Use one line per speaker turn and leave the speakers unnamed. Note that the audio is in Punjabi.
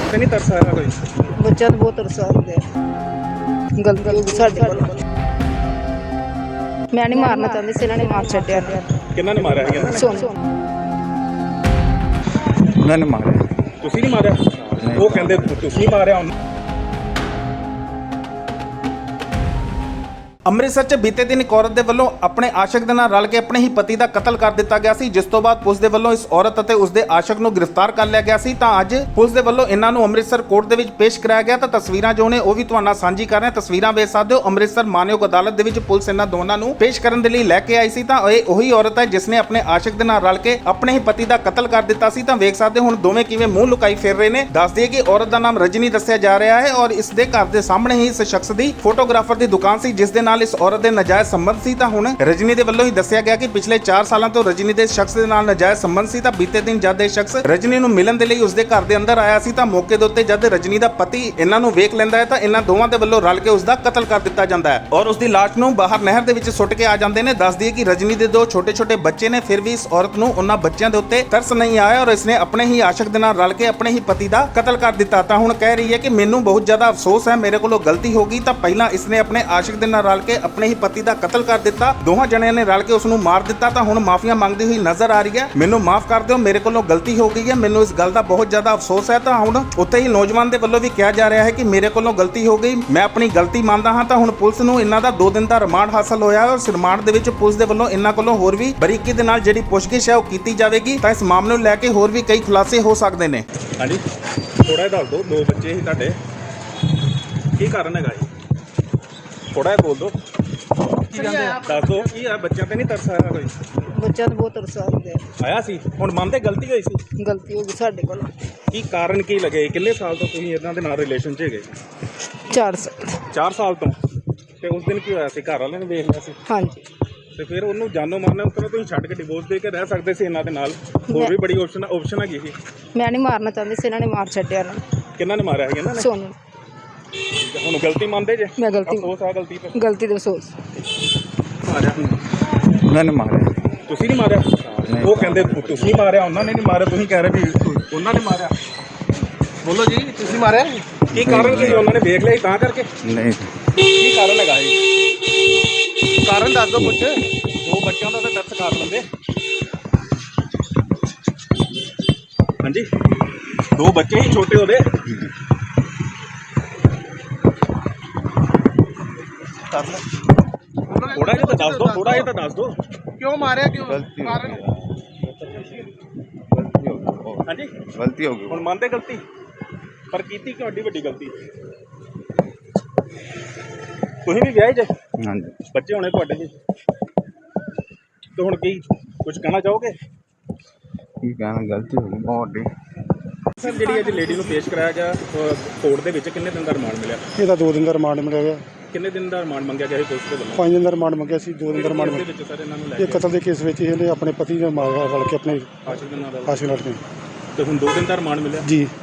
ਤੇ ਨਹੀਂ ਤਰਸ ਆਇਆ ਕੋਈ?
ਬੱਚਿਆਂ ਨੂੰ ਬਹੁਤ ਤਰਸ ਆਉਂਦੇ ਗਲਤੀ ਹੋ ਗਈ ਸਾਡੇ ਕੋਲ। ਮੈਂ ਨਹੀਂ ਮਾਰਨਾ ਚਾਹੁੰਦੀ ਸੀ, ਇਹਨਾਂ ਨੇ ਮਾਰ ਛੱਡਿਆ।
ਕਿਹਨਾਂ ਨੇ ਮਾਰਿਆ ਹੈਗਾ?
ਸੋਨੂੰ
ਉਹਨਾਂ ਨੇ ਮਾਰਿਆ।
ਤੁਸੀਂ ਨਹੀਂ ਮਾਰਿਆ? ਉਹ ਕਹਿੰਦੇ ਤੁਸੀਂ ਮਾਰਿਆ ਉਹਨੂੰ।
ਅੰਮ੍ਰਿਤਸਰ 'ਚ ਬੀਤੇ ਦਿਨ ਇੱਕ ਔਰਤ ਦੇ ਵੱਲੋਂ ਆਪਣੇ ਆਸ਼ਕ ਦੇ ਨਾਲ ਰਲ ਕੇ ਆਪਣੇ ਹੀ ਪਤੀ ਦਾ ਕਤਲ ਕਰ ਦਿੱਤਾ ਗਿਆ ਸੀ, ਜਿਸ ਤੋਂ ਬਾਅਦ ਪੁਲਿਸ ਦੇ ਵੱਲੋਂ ਇਸ ਔਰਤ ਅਤੇ ਉਸ ਦੇ ਆਸ਼ਕ ਨੂੰ ਗ੍ਰਿਫਤਾਰ ਕਰ ਲਿਆ ਗਿਆ ਸੀ। ਤਾਂ ਅੱਜ ਪੁਲਿਸ ਦੇ ਵੱਲੋਂ ਇਹਨਾਂ ਨੂੰ ਅੰਮ੍ਰਿਤਸਰ ਕੋਰਟ ਦੇ ਵਿੱਚ ਪੇਸ਼ ਕਰਾਇਆ ਗਿਆ। ਤਾਂ ਤਸਵੀਰਾਂ ਜੋ ਨੇ ਉਹ ਵੀ ਤੁਹਾਨੂੰ ਨਾਲ ਸਾਂਝੀ ਕਰ ਰਹੇ ਹਾਂ। ਤਸਵੀਰਾਂ ਵੇਖ ਸਕਦੇ ਹੋ, ਅੰਮ੍ਰਿਤਸਰ ਮਾਨਯੋਗ ਅਦਾਲਤ ਦੇ ਵਿੱਚ ਪੁਲਿਸ ਇਹਨਾਂ ਦੋਨਾਂ ਨੂੰ ਪੇਸ਼ ਕਰਨ ਦੇ ਲਈ ਲੈ ਕੇ ਆਈ ਸੀ। ਤਾਂ ਇਹ ਉਹੀ ਔਰਤ ਹੈ ਜਿਸ ਨੇ ਆਪਣੇ ਆਸ਼ਕ ਦੇ ਨਾਲ ਰਲ ਕੇ ਆਪਣੇ ਹੀ ਪਤੀ ਦਾ ਕਤਲ ਕਰ ਦਿੱਤਾ ਸੀ। ਤਾਂ ਵੇਖ ਸਕਦੇ ਹੋ ਹੁਣ ਦੋਵੇਂ ਕਿਵੇਂ ਮੂੰਹ ਲੁਕਾਈ ਫਿਰ ਰਹੇ ਨੇ। ਦੱਸ ਦਈਏ ਕਿ ਔਰਤ ਦਾ ਨਾਮ ਰਜਨੀ ਦੱਸਿਆ ਜਾ ਰਿਹਾ ਹੈ ਔਰ ਇਸ ਦੇ ਘਰ ਦੇ ਸਾਹਮਣੇ ਹੀ ਇਸ ਸ਼ਖਸ ਦੀ ਫੋਟੋਗ੍ਰਾਫਰ ਦੀ ਦੁਕਾਨ ਸੀ, ਜਿਸ ਦੇ ਨਾਲ ਇਸ ਔਰਤ ਦੇ ਨਜਾਇਜ਼ ਸੰਬੰਧ ਸੀ। ਤਾਂ ਹੁਣ ਰਜਨੀ ਦੇ ਵੱਲੋਂ ਹੀ ਦੱਸਿਆ ਗਿਆ ਕਿ ਪਿਛਲੇ 4 ਸਾਲਾਂ ਤੋਂ ਰਜਨੀ ਦੇ ਸ਼ਖਸ ਦੇ ਨਾਲ ਨਜਾਇਜ਼ ਸੰਬੰਧ ਸੀ। ਤਾਂ ਬੀਤੇ ਦਿਨ ਜਦ ਇਹ ਸ਼ਖਸ ਰਜਨੀ ਨੂੰ ਮਿਲਣ ਦੇ ਲਈ ਉਸਦੇ ਘਰ ਦੇ ਅੰਦਰ ਆਇਆ ਸੀ, ਤਾਂ ਮੌਕੇ ਦੇ ਉੱਤੇ ਜਦ ਰਜਨੀ ਦਾ ਪਤੀ ਇਹਨਾਂ ਨੂੰ ਵੇਖ ਲੈਂਦਾ ਹੈ ਤਾਂ ਇਹਨਾਂ ਦੋਵਾਂ ਦੇ ਵੱਲੋਂ ਰਲ ਕੇ ਉਸਦਾ ਕਤਲ ਕਰ ਦਿੱਤਾ ਜਾਂਦਾ ਹੈ ਔਰ ਉਸਦੀ ਲਾਸ਼ ਨੂੰ ਬਾਹਰ ਨਹਿਰ ਦੇ ਵਿੱਚ ਸੁੱਟ ਕੇ ਆ ਜਾਂਦੇ ਨੇ। ਦੱਸ ਦਈਏ ਕਿ ਰਜਨੀ ਦੇ 2 ਛੋਟੇ-ਛੋਟੇ ਬੱਚੇ ਨੇ, ਫਿਰ ਵੀ ਇਸ ਔਰਤ ਨੂੰ ਉਹਨਾਂ ਬੱਚਿਆਂ ਦੇ ਉੱਤੇ ਤਰਸ ਨਹੀਂ ਆਇਆ ਔਰ ਇਸਨੇ ਆਪਣੇ ਹੀ ਆਸ਼ਕ ਦੇ ਨਾਲ ਰਲ ਕੇ ਆਪਣੇ ਹੀ ਪਤੀ ਦਾ ਕਤਲ ਕਰ ਦਿੱਤਾ। ਤਾਂ ਹੁਣ ਕਹਿ ਰਹੀ ਹੈ ਕਿ ਮੈਨੂੰ ਬਹੁਤ ਜ਼ਿਆਦਾ ਅਫਸੋਸ ਹੈ, ਮੇਰੇ ਕੋਲੋਂ ਗਲਤੀ ਹੋ ਗਈ। ਤਾਂ ਪਹਿਲਾਂ ਇਸਨੇ ਆਪਣੇ ਆਸ਼ਕ ਦੇ ਨਾਲ ਰਲ ਕੇ ਆਪਣੇ ਹੀ ਪਤੀ ਦਾ ਕਤਲ ਕਰ ਦਿੱਤਾ, ਦੋਹਾਂ ਜਣਿਆਂ ਨੇ ਰਲ ਕੇ ਉਸ ਨੂੰ ਮਾਰ ਦਿੱਤਾ। ਤਾਂ ਹੁਣ ਮਾਫੀਆਂ ਮੰਗਦੀ ਹੋਈ ਨਜ਼ਰ ਆ ਰਹੀ ਹੈ, ਮੈਨੂੰ ਮਾਫ ਕਰ ਦਿਓ, ਮੇਰੇ ਕੋਲੋਂ ਗਲਤੀ ਹੋ ਗਈ ਹੈ, ਮੈਨੂੰ ਇਸ ਗੱਲ ਦਾ ਬਹੁਤ ਜ਼ਿਆਦਾ ਅਫਸੋਸ ਹੈ। ਤਾਂ ਹੁਣ ਉੱਥੇ ਹੀ ਨੌਜਵਾਨ ਦੇ ਵੱਲੋਂ ਵੀ ਕਿਹਾ ਜਾ ਰਿਹਾ ਹੈ ਕਿ ਮੇਰੇ ਕੋਲੋਂ ਗਲਤੀ ਹੋ ਗਈ, ਮੈਂ ਆਪਣੀ ਗਲਤੀ ਮੰਨਦਾ ਹਾਂ। ਤਾਂ ਹੁਣ ਪੁਲਿਸ ਨੂੰ ਇਹਨਾਂ ਦਾ 2 ਦਿਨ ਦਾ ਰਿਮਾਂਡ ਹਾਸਲ ਹੋਇਆ ਹੈ ਔਰ ਇਸ ਰਿਮਾਂਡ ਦੇ ਵਿੱਚ ਪੁਲਿਸ ਦੇ ਵੱਲੋਂ ਇਹਨਾਂ ਕੋਲੋਂ ਹੋਰ ਵੀ ਬਰੀਕੀ ਦੇ ਨਾਲ ਜਿਹੜੀ ਪੁੱਛਗਿੱਛ ਹੈ ਉਹ ਕੀਤੀ ਜਾਵੇਗੀ। ਤਾਂ ਇਸ ਮਾਮਲੇ ਨੂੰ ਲੈ ਕੇ ਹੋਰ ਵੀ ਕਈ ਖੁਲਾਸੇ ਹੋ ਸਕਦੇ ਨੇ।
ਹਾਂਜੀ, ਥੋੜਾ ਜਿਹਾ ਦੱਸ ਦਿਓ। 2 ਬੱਚੇ ਸੀ ਤੁਹਾਡੇ, ਕੀ ਕਾਰਨ ਹੈਗਾ ਜੀ? ਥੋੜਾ ਜਿਹਾ ਬੋਲ ਦਿਓ, ਦੱਸ ਦਿਓ ਕੀ ਆ। ਬੱਚਿਆਂ ਤੇ ਨਹੀਂ ਤਰਸ ਆਇਆ ਕੋਈ?
ਬੱਚਿਆਂ ਨੂੰ ਬਹੁਤ ਤਰਸ ਆਉਂਦੇ
ਆਇਆ ਸੀ। ਹੁਣ ਮੰਨਦੇ ਗਲਤੀ ਹੋਈ ਸੀ?
ਗਲਤੀ ਹੋ ਗਈ ਸਾਡੇ ਕੋਲ।
ਕੀ ਕਾਰਨ ਕੀ ਲੱਗੇ? ਕਿੰਨੇ ਸਾਲ ਤੋਂ ਤੁਸੀਂ ਇਹਨਾਂ ਦੇ ਨਾਲ ਰਿਲੇਸ਼ਨ 'ਚ ਹੈਗੇ?
4 ਸਾਲ।
4 ਸਾਲ ਤੋਂ। ਤੇ ਉਸ ਦਿਨ ਕੀ ਹੋਇਆ ਸੀ? ਘਰ ਵਾਲਿਆਂ ਨੇ ਵੇਖ ਲਿਆ ਸੀ
ਹਾਂਜੀ।
ਤੇ ਫਿਰ ਉਹਨੂੰ ਜਾਨੋਂ ਮਾਰਨਾ, ਉਸ ਤਰ੍ਹਾਂ ਤੁਸੀਂ ਛੱਡ ਕੇ ਡਿਵੋਰਸ ਦੇ ਕੇ ਰਹਿ ਸਕਦੇ ਸੀ ਇਹਨਾਂ ਦੇ ਨਾਲ। ਹੋਰ ਵੀ ਬੜੀ ਆਪਸ਼ਨ ਹੈਗੀ ਸੀ।
ਮੈਂ ਨਹੀਂ ਮਾਰਨਾ ਚਾਹੁੰਦੀ ਸੀ, ਇਹਨਾਂ ਨੇ ਮਾਰ ਛੱਡਿਆ।
ਕਿਹਨਾਂ ਨੇ ਮਾਰਿਆ ਹੈਗਾ? ਇਹਨਾਂ ਨੇ।
ਸੋਨੂੰ।
ਹੁਣ ਗਲਤੀ ਮੰਨਦੇ ਜੇ?
ਮੈਂ ਗਲਤੀ
ਅਫਸੋਸ ਆ ਗਲਤੀ ਤੇ?
ਗਲਤੀ ਦਾ ਅਫਸੋਸ।
ਮਾਰਿਆ
ਉਹਨਾਂ ਨੇ ਮਾਰਿਆ।
ਤੁਸੀਂ ਨਹੀਂ ਮਾਰਿਆ? ਉਹ ਕਹਿੰਦੇ ਤੁਸੀਂ ਮਾਰਿਆ, ਉਹਨਾਂ ਨੇ ਨਹੀਂ ਮਾਰਿਆ। ਤੁਸੀਂ ਕਹਿ ਰਹੇ ਵੀ ਉਹਨਾਂ ਨੇ ਮਾਰਿਆ। ਬੋਲੋ ਜੀ, ਤੁਸੀਂ ਮਾਰਿਆ? ਕੀ ਕਾਰਨ ਸੀ? ਉਹਨਾਂ ਨੇ ਵੇਖ ਲਿਆ ਤਾਂ ਕਰਕੇ?
ਨਹੀਂ,
ਕੀ ਕਾਰਨ ਹੈਗਾ ਜੀ? ਕਾਰਨ ਦੱਸ ਦਿਓ ਕੁਛ। 2 ਬੱਚਿਆਂ ਦਾ ਤਾਂ ਤਰਸ ਕਰ ਲੈਂਦੇ। ਹਾਂਜੀ, 2 ਬੱਚੇ ਹੀ ਛੋਟੇ ਉਹਦੇ। ਥੋੜਾ ਜਿਹਾ ਤਾਂ ਦੱਸ ਦਿਓ, ਥੋੜਾ ਜਿਹਾ ਤਾਂ ਦੱਸ ਦਿਓ। ਕਿਉਂ ਮਾਰਿਆ? ਕਿਉਂ?
ਗਲਤੀ ਹੋ
ਕਾਰਨ?
ਗਈ।
ਹਾਂਜੀ,
ਗਲਤੀ ਹੋ ਗਈ।
ਹੁਣ ਮੰਨਦੇ ਗਲਤੀ, ਪਰ ਕੀਤੀ ਕਿਉਂ ਏਡੀ ਵੱਡੀ ਗਲਤੀ? ਤੁਸੀਂ ਵੀ ਵਿਆਹੇ ਜੇ?
ਹਾਂਜੀ।
ਬੱਚੇ ਹੋਣੇ ਤੁਹਾਡੇ ਜੀ। ਤੇ ਹੁਣ ਕੀ ਕੁਝ ਕਹਿਣਾ ਚਾਹੋਗੇ?
ਕੀ ਕਹਿਣਾ, ਗਲਤੀ ਹੋ ਗਈ ਬਹੁਤ ਵੱਡੀ।
ਸਰ, ਜਿਹੜੀ ਅੱਜ ਲੇਡੀ ਨੂੰ ਪੇਸ਼ ਕਰਾਇਆ ਗਿਆ ਕੋਰਟ ਦੇ ਵਿੱਚ, ਕਿੰਨੇ ਦਿਨ ਦਾ ਰਿਮਾਂਡ ਮਿਲਿਆ?
ਇਹਦਾ 2 ਦਿਨ ਦਾ ਰਿਮਾਂਡ ਮਿਲਿਆ ਗਿਆ।
ਕਿੰਨੇ ਦਿਨ ਦਾ ਰਿਮਾਂਡ ਮੰਗਿਆ ਗਿਆ ਸੀ ਪੁਲਿਸ ਦੇ ਵੱਲੋਂ?
5 ਦਿਨ ਦਾ ਰਿਮਾਂਡ ਮੰਗਿਆ ਸੀ, 2 ਦਿਨ ਦਾ ਰਿਮਾਂਡ
ਦੇ
ਮਿਲਿਆ।
ਵਿੱਚ ਸਰ ਇਹਨਾਂ ਨੂੰ ਲੈ
ਇਹ
ਕੇ
ਕਤਲ ਦੇ ਕੇਸ ਵਿੱਚ ਇਹਨੇ ਆਪਣੇ ਪਤੀ ਦੇ ਮਾਰ ਰਲ ਕੇ ਆਪਣੇ
ਆਸ਼ਿਕ ਦੇ ਨਾਲ
ਫਾਂਸੀ ਲੜ ਕੇ
ਤੇ ਹੁਣ 2 ਦਿਨ ਦਾ ਰਿਮਾਂਡ ਮਿਲਿਆ।
ਜੀ।